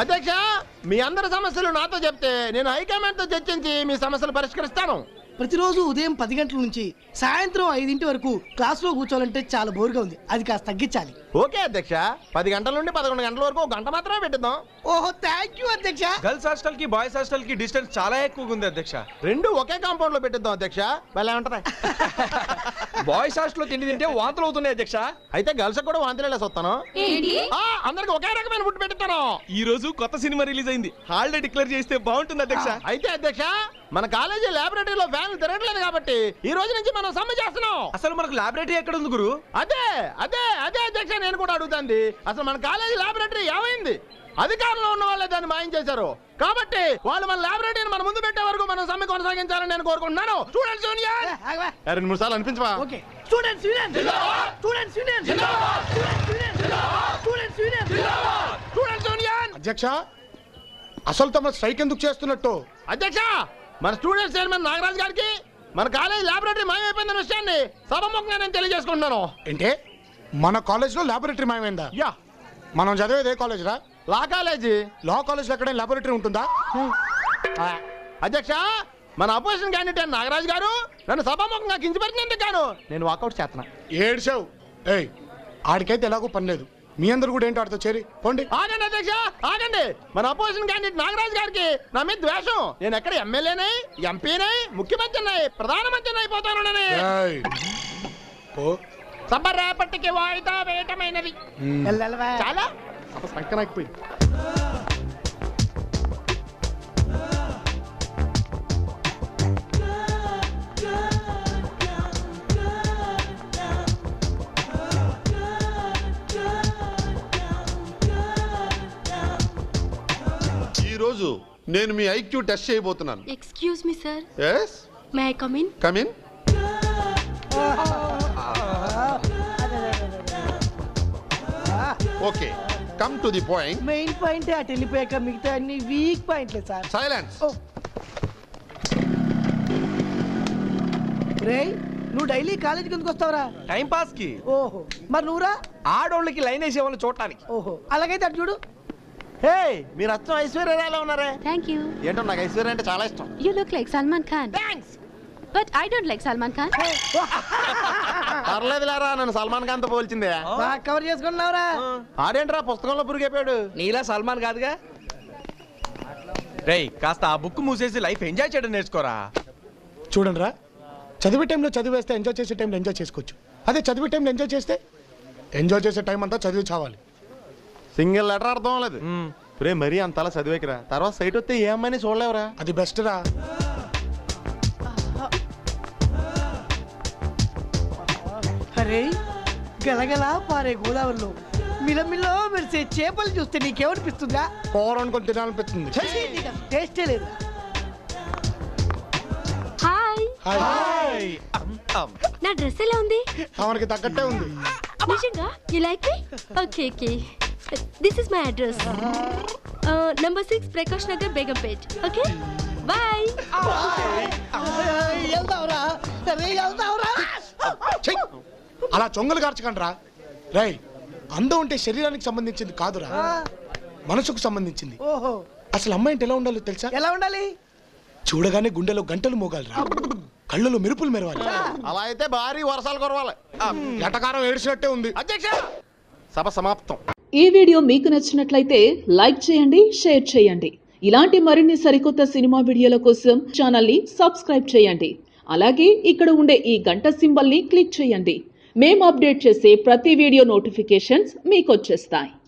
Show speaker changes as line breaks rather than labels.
అధ్యక్ష, మీ అందరి సమస్యలు నాతో చెప్తే నేను హైకమాండ్ తో చర్చించి మీ సమస్యలు పరిష్కరిస్తాను.
ప్రతిరోజు ఉదయం 10 గంటల నుంచి సాయంత్రం 5 వరకు క్లాస్ లో కూర్చోవాలంటే చాలా బోర్గా ఉంది. అది కాస్త తగ్గించాలి.
ఓకే అధ్యక్ష, 10 గంటల నుండి 11 గంటల వరకు 1 గంట మాత్రమే పెట్టిద్దాం.
ఓహో, థ్యాంక్ యూ అధ్యక్ష.
గర్ల్స్ హాస్టల్ కి బాయ్స్ హాస్టల్ కి డిస్టెన్స్ చాలా ఎక్కువగా ఉంది అధ్యక్ష.
రెండు ఒకే కాంపౌండ్ లో పెట్టిద్దాం అధ్యక్ష. భలే ఉంటది.
బాయ్స్ హాస్టల్ లో తిండి తింటే వాంతులు అవుతున్నాయి అధ్యక్ష.
అయితే గర్ల్స్ కూడా వాంతిలేసి వస్తాను. అందరికి ఒకే రకమైన ఫుడ్ పెట్టిస్తాను.
ఈ రోజు కొత్త సినిమా రిలీజ్ అయింది, హాలిడే డిక్లేర్ చేస్తే బాగుంటుంది అధ్యక్ష.
అయితే అధ్యక్ష, మన కాలేజీ లాబొరేటరీలో ఫ్యాన్లు తిరగట్లేదు కాబట్టి ఈ రోజు నుంచి మనం సమ్మె చేస్తున్నాం.
అసలు మనకు లాబొరేటరీ ఎక్కడ ఉంది గురు?
అదే అదే అదే అధ్యక్ష, నేను కూడా అడుగుతాంది. అసలు మన కాలేజీ లాబొరేటరీ ఏమైంది? అధికారంలో ఉన్న వాళ్ళే దాన్ని మాయం చేశారు. కాబట్టి వాళ్ళు మన లాబొరేటరీని మన ముందు పెట్టే వరకు మనం సమ్మె కొనసాగించాలని నేను కోరుకుంటున్నాను. స్టూడెంట్స్ యూనియన్ 2 సార్లు అనిపించవా?
Okay, students union, students union, students union.
Students union.
అధ్యక్ష, అసలు తమ స్ట్రైక్ ఎందుకు చేస్తున్నట్టు?
అధ్యక్ష, మన స్టూడెంట్స్ చైర్మన్ నాగరాజ్ గారికి మన కాలేజ్ లాబొరేటరీ మాయమైపోయిన విషయాన్ని సభముఖంగా నేను తెలియజేసుకుంటున్నాను.
ఏంటే మన కాలేజ్ లో లాబొరేటరీ మాయమైందా?
యా.
మనం చదివేది ఏ కాలేజ్ రా?
లా కాలేజీ.
లా కాలేజ్ లో ఎక్కడైనా లాబొరేటరీ ఉంటుందా?
అధ్యక్ష, మన అపోజిషన్ క్యాండిడేట్ నాగరాజ్ గారు నన్ను సభాముఖంగా కించపరిచినందుకు గాను నేను వాకౌట్ చేస్తున్నా.
ఏడ్చావు. ఏయ్, ఆడికైతే ఎలాగో పని లేదు. మీ అందరు కూడా ఏంటి ఆడితో చేరి పోండి.
ఆగండి అధ్యక్ష, ఆగండి. మన అపోజిషన్ క్యాండిడేట్ నాగరాజ్ గారికి నా మీద ద్వేషం. నేను ఎక్కడ ఎమ్మెల్యేనై, ఎంపీనై, ముఖ్యమంత్రినై, ప్రధానమంత్రిని అయిపోతాను.
ఏయ్, పో.
సభ రేపటికి వాయిదా వేయటమైనది. చాలా సంకనాకపోయింది.
ఈరోజు నేను మీ ఐక్యూ టెస్ట్ చేయబోతున్నాను.
Excuse me sir.
yes
may I come in?
come in. Okay, come to the point.
Main point అటు వెళ్ళిపోయాక మిగతా అన్ని వీక్ పాయింట్లే సార్.
సైలెన్స్.
రేయ్, నువ్వు డైలీ కాలేజీకి ఎందుకు వస్తావురా?
టైం పాస్ కి.
ఓహో, మరి నువ్వురా?
ఆడోళ్ళకి లైన్ వేసే వాళ్ళని చూడటానికి.
ఓహో, అలాగైతే అటు చూడు.
హే, మీరు అచ్చం ఐశ్వర్యరాయలా ఉన్నారే.
Thank you.
ఏంటో నాకు ఐశ్వర్య అంటే చాలా ఇష్టం.
You look like Salman Khan.
Thanks.
But I don't like Salman Khan.
పర్లేదులేరా, నన్ను సల్మాన్ ఖాన్ తో పోల్చిందే.
బాగా కవర్ చేసుకున్నావురా.
ఆడేంట్రా పుస్తకంలో పురిగైపోయాడు.
నీలా సల్మాన్ కాదుగా. రేయ్, కాస్త ఆ బుక్ మూసేసి లైఫ్ ఎంజాయ్ చేయడం నేర్చుకోరా.
చూడండి రా, చదివే టైంలో చదివేస్తే ఎంజాయ్ చేసే టైంలో ఎంజాయ్ చేసుకోవచ్చు. అదే చదివే టైంలో ఎంజాయ్ చేస్తే ఎంజాయ్ చేసే టైం అంతా చదివి చావాలి.
సింగిల్ లెటర్ అర్థం లేదు. రే, మరీ అంతలా చదివేకిరా, తర్వాత సైట్ వస్తే ఏ అమ్మాయిని చూడలేవురా.
అది బెస్ట్ రా.
అరే, గలగల పారే గోదావరిలో మిలమిలో మెరిసే చేపలు చూస్తే నీకేమనిపిస్తుందా?
కూర అనుకొని తినాలనిపిస్తుంది.
టేస్టే లేదు.
హాయ్.
హాయ్.
నా డ్రెస్ ఎలా ఉంది?
మనకి తగ్గట్టే ఉంది.
నిజంగా? You like me? Okay okay. This is my address. Number 6 Prakash Nagar, Begumpet. Okay, bye.
వెళ్దావురా, వెళ్దావురా.
అలా చొంగలు కార్చకండి రా. రేయ్, అందం ఉంటే శరీరానికి సంబంధించింది కాదురా, మనసుకు సంబంధించింది.
ఓహో,
అసలు అమ్మాయి అంటే ఎలా ఉండాలో తెలుసా?
ఎలా ఉండాలి?
చూడగానే గుండెలో గంటలు మోగాలిరా, కళ్ళలో మెరుపులు మెరవాలి.
అలా అయితే భారీ వర్షాలు కురవాలి.
ఎటకారం ఏడ్చినట్టే ఉంది.
అధ్యక్ష, సభ సమాప్తం.
ఈ వీడియో మీకు నచ్చినట్లయితే లైక్ చేయండి, షేర్ చేయండి. ఇలాంటి మరిన్ని సరికొత్త సినిమా వీడియోల కోసం ఛానల్ని సబ్స్క్రైబ్ చేయండి. అలాగే ఇక్కడ ఉండే ఈ గంట సింబల్ని క్లిక్ చేయండి. మేము అప్డేట్ చేసే ప్రతి వీడియో నోటిఫికేషన్స్ మీకు వచ్చేస్తాయి.